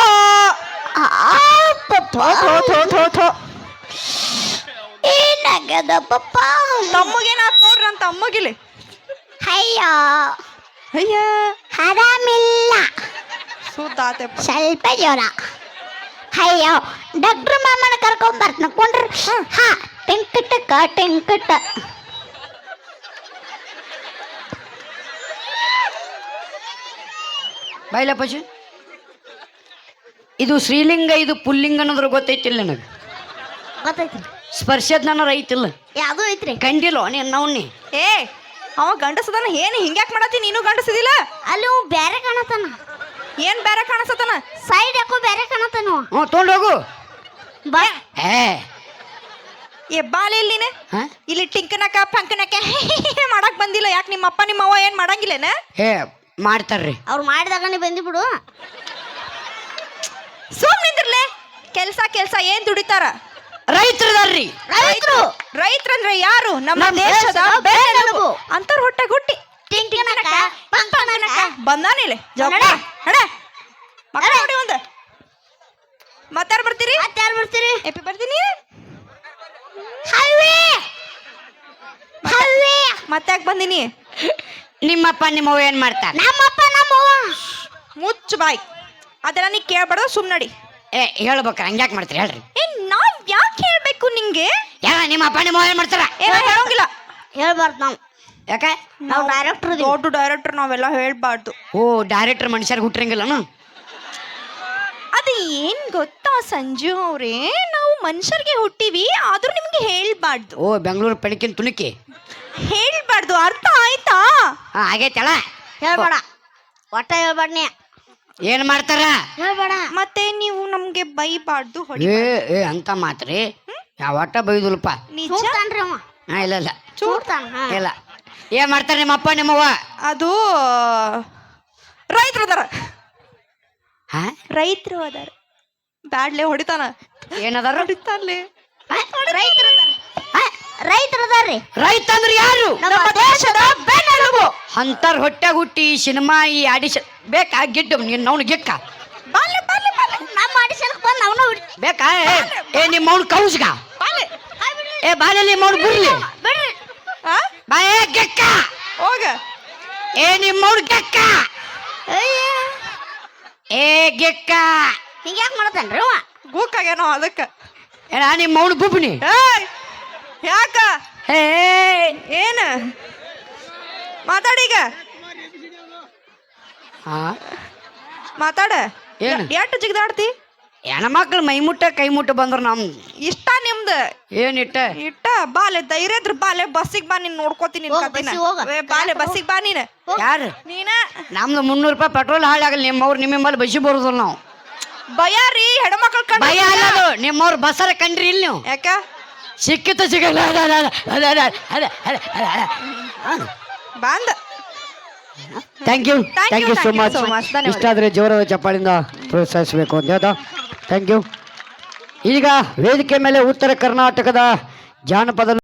S2: ಥೋ ಥೋ ಥೋ ಥೋ ಥೋ.
S3: ಏನಾಗದ ಪಪ್ಪ
S2: ತಮ್ಮಗೇನಾತ್ ನೋಡ್ರಿ ಅಂತ ಅಮ್ಮಗಿಲಿ.
S3: ಅಯ್ಯ
S2: ಅಯ್ಯ
S3: ಆರಾಮಿಲ್ಲ
S2: ಸುದ್ದಾತೆಪ್ಪ.
S3: ಸ್ವಲ್ಪ ಜ್ವರ. ಅಯ್ಯೋ ಡಾಕ್ಟರ್ ಮಾಮನ ಕರ್ಕೊಂಡ್ ಬರ್ತನ ಕೊಂಡ್ರಿ. ಹಾ ಟಿಂಕಟಕ ಟಿಂಕಟ
S1: ಬಾಯ್ಲ ಪಶು ಇದು ಶ್ರೀಲಿಂಗ ಇದು ಪುಲ್ಲಿಂಗ ಅನ್ನೋದ್ರ ಗೊತ್ತೈತಿಲ್ಲ ನನಗೆ.
S3: ಗೊತ್ತೈತ್ರಿ
S1: ಸ್ಪರ್ಶದ ನನ್ನ ಐತಿಲ್ಲ
S3: ಯಾವ್ದು ಐತ್ರಿ
S1: ಕಂಡಿಲ್ಲೋ ನೀನು ನವ್ನಿ.
S2: ಏ ಅವ ಗಂಡಸದನ ಏನು ಹಿಂಗ್ಯಾಕ್ ಮಾಡತ್ತಿ ನೀನು ಗಂಡಸದಿಲ್ಲ?
S3: ಅಲ್ಲಿ ಅವ್ ಬ್ಯಾರೆ ಕಾಣತಾನ.
S2: ಏನ್ ಬೇರೆ ಕಾಣಿಸತನ?
S3: ಸೈಡ್ ಯಾಕೋ ಬ್ಯಾರೆ ಕಾಣತಾನ ಅವ.
S1: ಹ್ಞೂ ತೊಗೊಂಡು ಹೋಗು.
S3: ಬಾ
S1: ಏ
S2: ಏ ಬಾಲೆ ಇಲ್ಲಿನ
S1: ಹಾ
S2: ಇಲ್ಲಿ ಟಿಂಕನಕ ಪಂಕನಕ ಮಾಡಕ್ ಬಂದಿಲ್ಲ. ಯಾಕೆ ನಿಮ್ಮ ಅಪ್ಪ ನಿಮ್ಮ ಅವ್ವ ಏನ್ ಮಾಡಂಗಿಲ್ಲೇನ?
S1: ಏ ಮಾಡ್ತಾರ್ರಿ.
S3: ಅವ್ರು ಮಾಡಿದಾಗನೇ ಬಂದಿ ಬಿಡು.
S2: ಸುಮ್ ನಿಂದಿರ್ಲೆ. ಕೆಲ್ಸ ಕೆಲ್ಸ ಏನ್ ದುಡಿತಾರ?
S1: ರೈತರದಾರ್ರಿ.
S3: ರೈತರು
S2: ರೈತರಂದ್ರೆ ಯಾರು? ನಮ್ಮ
S3: ನಮ್ಮ
S2: ದೇಶದ
S3: ದೇಶದ
S2: ಬೆನ್ನೆಲುಬು. ಅಂತರ್ ಹೊಟ್ಟೆ ಗುಟ್ಟಿ
S3: ಟಿಂಕನಕ ಪಂಕನಕ
S2: ಬಂದಾನಿಲ್ಲ
S3: ನಡೆ.
S2: ನಡೆ ಮಕ್ಕಳ ನೋಡಿ ಒಂದ. ಮತ್ತಾರ ಬರ್ತೀರಿ?
S3: ಮತ್ತೆ ಯಾರು ಬರ್ತೀರಿ?
S2: ಎಪ್ಪಿ ಬರ್ತೀನಿ.
S3: ಹಲ್ವೆ ಹಲ್ವೆ
S2: ಮತ್ತಾಕ್ ಬಂದಿನಿ?
S1: ನಿಮ್ಮಪ್ಪ ನಿಮ್ಮವ್ವ ಏನ್ ಮಾಡ್ತಾರ?
S3: ನಮ್ಮಪ್ಪ ನಮ್ಮವ್ವ
S2: ಮುಚ್ಚು ಬಾಯ್. ಅದೆಲ್ಲ ನೀ ಕೇಳ್ಬಾರ್ದು, ಸುಮ್ ನಡಿ.
S1: ಏ ಹೇಳ್ಬೇಕ್ರ ಹಂಗ್ಯಾಕ್ ಮಾಡ್ತೀರಿ ಹೇಳ್ರಿ.
S2: ಏ ನಾವ್ ಯಾಕೆ ಹೇಳ್ಬೇಕು ನಿಂಗೆ?
S1: ಯಾರ ನಿಮ್ಮಪ್ಪ ನಿಮ್ಮವ್ವ ಏನ್ ಮಾಡ್ತಾರ?
S2: ಏನ ಹೇಳೋಂಗಿಲ್ಲ.
S3: ಹೇಳ್ಬಾರ್ದು ನಾವು.
S1: ಯಾಕೆ?
S3: ನಾವು ಡೈರೆಕ್ಟರ್
S2: ದೊಡ್ಡ ಡೈರೆಕ್ಟರ್ ನಾವೆಲ್ಲ ಹೇಳ್ಬಾರ್ದು.
S1: ಓ ಡೈರೆಕ್ಟರ್ ಮನುಷ್ಯರ್ಗೆ ಹುಟ್ಟಿರಂಗಿಲ್ಲನು.
S2: ಅದು ಏನ್ ಗೊತ್ತಾ ಸಂಜು ಅವ್ರೆ, ನಾವು ಮನುಷ್ಯರಿಗೆ ಹುಟ್ಟಿವಿ ಆದ್ರೂ ನಿಮ್ಗೆ ಹೇಳ್ಬಾರ್ದು.
S1: ಓ ಬೆಂಗಳೂರು ಪೆಣಕಿನ ತುಣುಕಿ
S2: ಹೇಳ್ಬಾರ್ದು, ಅರ್ಥ ಆಯ್ತಾ?
S1: ಹಾ ಆಗೈತಲ್ಲ.
S3: ಹೇಳ್ಬೇಡ ಒಟ್ಟ ಹೇಳ್ಬೇಡ ನೀ.
S1: ಏನ್ ಮಾಡ್ತಾರ?
S3: ಹೇಳ್ಬೇಡ.
S2: ಮತ್ತೆ ನೀವು ನಮ್ಗೆ ಬೈಬಾರ್ದು, ಹೊಡಿ.
S1: ಏ ಏ ಅಂತ ಮಾತ್ರಿ ಯಾವ ಒಟ್ಟ ಬೈದುಲ್ಪ.
S2: ನಿಜ
S3: ಚೂಡ್ತಾನ್ರಿ ಅವ.
S1: ಹಾ ಇಲ್ಲ ಇಲ್ಲ
S3: ಚೂಡ್ತಾನ. ಹಾ.
S1: ಇಲ್ಲ. ಏನ್ ಮಾಡ್ತಾರ ನಿಮ್ಮಪ್ಪ ನಿಮ್ಮವ್ವ?
S2: ಅದು ರೈತರು ಅದಾರ.
S1: ಹಾ
S2: ರೈತರು ಅದಾರ. ಬ್ಯಾಡ್ಲೆ ಹೊಡಿತಾನ.
S1: ಏನದಾರ?
S2: ಹೊಡಿತಾನ್ಲೆ.
S3: ರೈತರದಾರ. ರೈತರದಾರ್ರಿ.
S1: ರೈತ ಅಂದ್ರೆ ಯಾರು?
S3: ನಮ್ಮ ದೇಶದ ಬೆನ್ನೆಲುಬು.
S1: ಅಂತಾರ ಹೊಟ್ಟಾಗ ಹುಟ್ಟಿ ಸಿನಿಮಾ ಈ ಆಡಿಷನ್ ಬೇಕಾ? ಗಿಡ್ಡು ನೀನ್ ಅವ್ನು ಗಿಕ್ಕ
S2: ಬಾಲೆ ಬಾಲೆ ಬಾಲೆ
S3: ನಮ್ಮ ಆಡಿಷನ್ ಬಂದು ಅವನು
S1: ಬೇಕಾ? ಏ, ಏ ನಿಮ್ಮ ಅವ್ನು ಕೌಸ್ಗ
S2: ಬಾಲೆ.
S1: ಏ ಬಾಲಲ್ಲಿ ನಿಮ್ಮ ಅವ್ನು ಬಿಡ್ಲಿ
S3: ಬಿಡ್ರಿ.
S2: ಆ?
S1: ಬಾ ಏ ಗೆಕ್ಕ.
S2: ಹೋಗ.
S1: ಏ ನಿಮ್ಮ ಅವ್ನು ಗೆಕ್ಕ.
S3: ಅಯ್ಯ
S1: ಏ ಗೆಕ್ಕ.
S3: ಹಿಂಗ್ಯಾಕ್ ಮಾಡತಾನ್ರಿ ಅವ?
S2: ಗೂಕಾಗೇನೋ ಅದಕ್ಕ.
S1: ಏನ ನಿಮ್ಮ ಅವ್ನು ಬುಬ್ನಿ.
S2: ಏಯ್ ಯಾಕ?
S1: ಏ
S2: ಏನ ಮಾತಾಡೀಗ.
S1: ಹಾ
S2: ಮಾತಾಡ.
S1: ಏನು?
S2: ಎಷ್ಟು ಜಿಗ್ದಾಡ್ತಿ?
S1: ಹೆಣ್ಮಕ್ಳು ಮೈ ಮುಟ್ಟ ಕೈ ಮುಟ್ಟ ಬಂದ್ರ ನಮ್
S2: ಇಷ್ಟ ನಿಮ್ದು
S1: ಏನಿಟ್ಟ
S2: ಇಟ್ಟ. ಬಾಲೆ ಧೈರ್ಯ ಇದ್ರ ಬಾಲೆ ಬಸ್ಸಿಗೆ ಬಾ, ನೀನ್ ನೋಡ್ಕೋತೀನಿ ನಿನ್
S3: ಹೋಗ್
S2: ಕತ್ತಿನ.
S3: ಬಸ್ಸಿಗ್ ಹೋಗ.
S2: ಏ, ಬಾಲೆ ಬಸ್ಸಿಗೆ ಬಾ ನೀನ್.
S1: ಯಾರು?
S2: ನೀನ
S1: ನಮ್ದು ಮುನ್ನೂರು ರೂಪಾಯಿ ಪೆಟ್ರೋಲ್ ಹಾಳಾಗಲ್ಲ. ನಿಮ್ಮವ್ರು ನಿಮ್ಮಲ್ಲಿ ಬಸ್ಸಿ ಬರೋದಿಲ್ಲ ನಾವು.
S2: ಭಯಾರಿ ಹೆಣ್ಮಕ್ಳು ಕಂಡ
S1: ಭಯ ಅಲ್ಲದು. ನಿಮ್ಮವ್ರು ಬಸ್ಸರ ಕಂಡ್ರಿ ಇಲ್ಲಿ ನೀವು.
S2: ಯಾಕ?
S1: ಸಿಕ್ಕಿತ ಸಿಗಲ್ಲ. ಅದ ಅದ ಅದ ಅದ ಅದ ಅದ ಅದ ಅದ
S2: ಬಂದ.
S1: Thank you
S2: Thank
S1: thank
S2: you,
S1: you so
S2: thank you
S1: much.
S2: so much. ಧನ್ಯವಾದ.
S1: ಇಷ್ಟಾದರೆ ಜೋರಾದ ಚಪ್ಪಾಳಿಂದ ಪ್ರೋತ್ಸಾಹಿಸಬೇಕು ಅಂತ ಹೇಳ್ದ. Thank you. ಈಗ ವೇದಿಕೆ ಮೇಲೆ ಉತ್ತರ ಕರ್ನಾಟಕದ ಜಾನಪದ